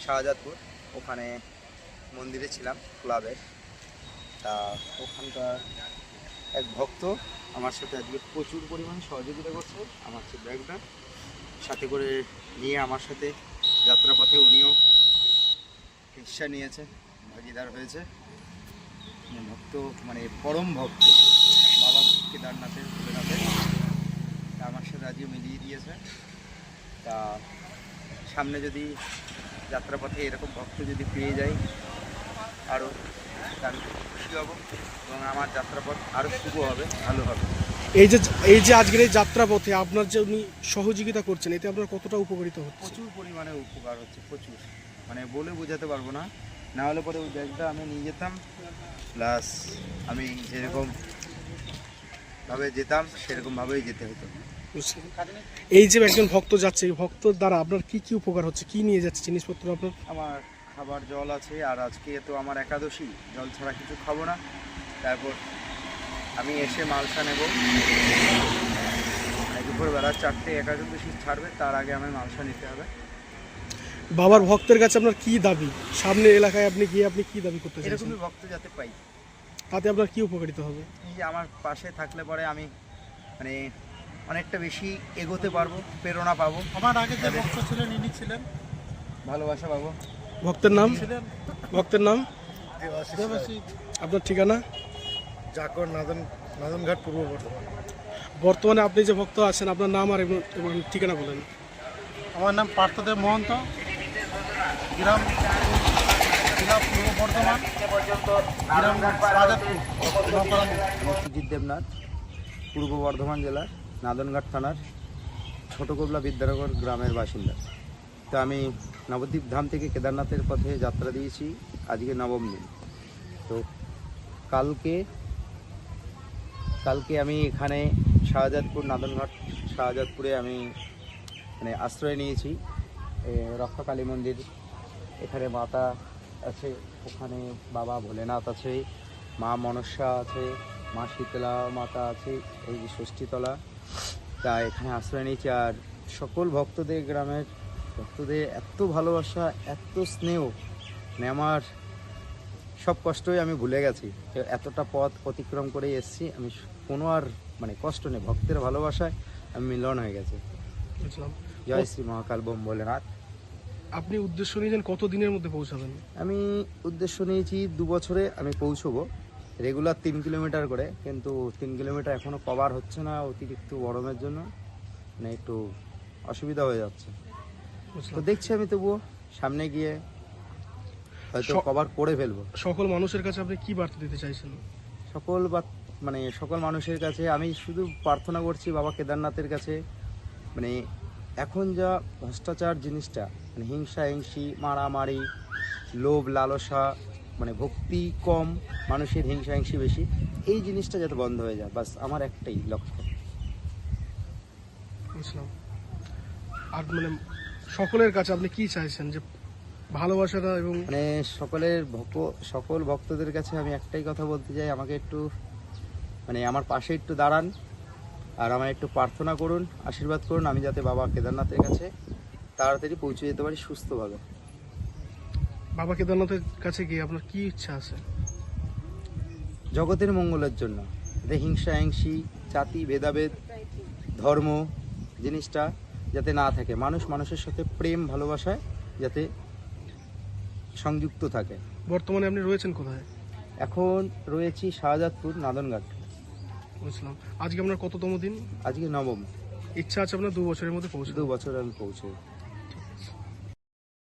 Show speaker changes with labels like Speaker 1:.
Speaker 1: শাহজাদপুর, ওখানে মন্দিরে ছিলাম ক্লাবের। তা ওখানকার এক ভক্ত আমার সাথে আজকে প্রচুর পরিমাণে সহযোগিতা করছে। আমার যে ব্যাগটা সাথে করে নিয়ে আমার সাথে যাত্রাপথে উনিও হিস্সা নিয়েছে, ভাগিদার হয়েছে। ভক্ত মানে পরম ভক্ত বাবা কেদারনাথের, ভোলেনাথের, তা আমার সাথে আজকে মিলিয়ে দিয়েছে। তা সামনে যদি যাত্রাপথে এরকম ভক্ত যদি পেয়ে যাই আরও, তার খুশি হব এবং আমার যাত্রাপথ আরও শুভ হবে, ভালো হবে।
Speaker 2: এই যে আজকের এই যাত্রাপথে আপনার যে উনি সহযোগিতা করছেন, এতে আপনার কতটা উপকারিত হচ্ছে?
Speaker 1: প্রচুর পরিমাণে উপকার হচ্ছে, প্রচুর, মানে বলে বোঝাতে পারবো না। না হলে পরে ওই ব্যাগটা আমি নিয়ে যেতাম, প্লাস আমি যেরকম ভাবে যেতাম সেরকমভাবেই যেতে হতো।
Speaker 2: এই যে একজন ভক্ত যাচ্ছে, এই ভক্তর দ্বারা আপনার কি কি উপকার হচ্ছে, কি নিয়ে যাচ্ছে জিনিসপত্র আপনার?
Speaker 1: আমার খাবার জল আছে, আর আজকে তো আমার একাদশী, জল ছাড়া কিছু খাবো না। তারপর আমি এসে মালসা নেব, দুপুরবেলা 4টে একাদশী ছাড়বে, তার আগে আমার মালসা নিতে হবে।
Speaker 2: বাবার ভক্তের কাছে আপনার কি দাবি? সামনে এলাকায় আপনি গিয়ে আপনি কি দাবি করতে চাইছেন?
Speaker 1: এরকমই ভক্ত যাতে পাই,
Speaker 2: তাতে আপনার কি উপকারিত হবে?
Speaker 1: এই যে আমার পাশে থাকলে পরে আমি মানে অনেকটা বেশি এগোতে পারবো, প্রেরণা পাবো।
Speaker 3: আমার আগে যে ভক্ত ছিলেন ইনি ছিলেন,
Speaker 1: ভালোবাসা পাবো।
Speaker 2: ভক্তের নাম?
Speaker 3: ছিলেন
Speaker 2: ভক্তের নাম?
Speaker 3: দেবাশী
Speaker 2: আপনার ঠিকানা?
Speaker 3: জাকর, নাদনঘাট, পূর্ব বর্ধমান।
Speaker 2: বর্তমানে আপনি যে ভক্ত আছেন, আপনার নাম আর এবং ঠিকানা বলেন।
Speaker 3: আমার নাম পার্থদেব মহন্ত, গ্রাম জেলা পূর্ব বর্ধমান, গ্রাম শাহজাদপুর,
Speaker 1: মসজিদ দেবনাথ, পূর্ব বর্ধমান জেলার নাদনঘাট থানার ছোট কোবলা বিদ্যানগর গ্রামের বাসিন্দা। তো আমি নবদ্বীপ ধাম থেকে কেদারনাথের পথে যাত্রা দিয়েছি, আজকে নবম দিন। তো কালকে আমি এখানে শাহজাদপুর, নাদনঘাট শাহজাদপুরে আমি মানে আশ্রয় নিয়েছি। রক্ষা কালী মন্দির, এখানে মাতা আছে, ওখানে বাবা ভোলেনাথ আছে, মা মনসা আছে, মা শীতলা মাতা আছে, এই যে ষষ্ঠীতলা। তা এখানে আশ্রয় নিয়েছি। আর সকল ভক্তদের, গ্রামের ভক্তদের এত ভালোবাসা, এত স্নেহ, মানে আমার সব কষ্টই আমি ভুলে গেছি। এতটা পথ অতিক্রম করে এসেছি, আমি কোনো আর মানে কষ্ট নেই, ভক্তের ভালোবাসায় আমি মিলন হয়ে গেছে। জয় শ্রী মহাকাল বোম ভোলেনাথ।
Speaker 2: আপনি উদ্দেশ্য নিয়েছেন কত দিনের মধ্যে পৌঁছাবেন?
Speaker 1: আমি উদ্দেশ্য নিয়েছি 2 বছরে আমি পৌঁছবো, রেগুলার 3 কিলোমিটার করে, কিন্তু 3 কিলোমিটার এখনও কভার হচ্ছে না অতিরিক্ত গরমের জন্য, মানে একটু অসুবিধা হয়ে যাচ্ছে। তো দেখছি আমি তবুও সামনে গিয়ে হয়তো কভার করে ফেলবো।
Speaker 2: সকল মানুষের কাছে আপনি কি বার্তা দিতে চাইছেন?
Speaker 1: সকল মানুষের কাছে আমি শুধু প্রার্থনা করছি বাবা কেদারনাথের কাছে, মানে এখন যা ভ্রষ্টাচার জিনিসটা, মানে হিংসা হিংসি, মারামারি, লোভ লালসা, মানে ভক্তি কম, মানুষের হিংসা হিংসি বেশি, এই জিনিসটা যাতে বন্ধ হয়ে যায়, বাস আমার একটাই লক্ষ্য।
Speaker 2: বুঝলাম। আর মানে সকলের কাছে আপনি কি চাইছেন, যে ভালোবাসাটা এবং
Speaker 1: মানে সকল ভক্তদের কাছে আমি একটাই কথা বলতে চাই, আমাকে একটু মানে আমার পাশে একটু দাঁড়ান, আর আমার একটু প্রার্থনা করুন, আশীর্বাদ করুন, আমি যাতে বাবা কেদারনাথের কাছে তাড়াতাড়ি পৌঁছে যেতে পারি সুস্থভাবে।
Speaker 2: বাবা কেদারনাথের কাছে গিয়ে আপনার কি ইচ্ছা আছে?
Speaker 1: জগতের মঙ্গলের জন্য, যাতে হিংসা হিংসি, জাতি ভেদাভেদ, ধর্ম জিনিসটা যাতে না থাকে, মানুষ মানুষের সাথে প্রেম ভালোবাসায় যাতে সংযুক্ত থাকে।
Speaker 2: বর্তমানে আপনি রয়েছেন কোথায়?
Speaker 1: এখন রয়েছি শাহজাদপুর, নাদনঘাট।
Speaker 2: বুঝলাম। আজকে আপনার কততম দিন?
Speaker 1: আজকে নবম।
Speaker 2: ইচ্ছা আছে আপনার 2 বছরের মধ্যে পৌঁছে?
Speaker 1: 2 বছর আমি পৌঁছে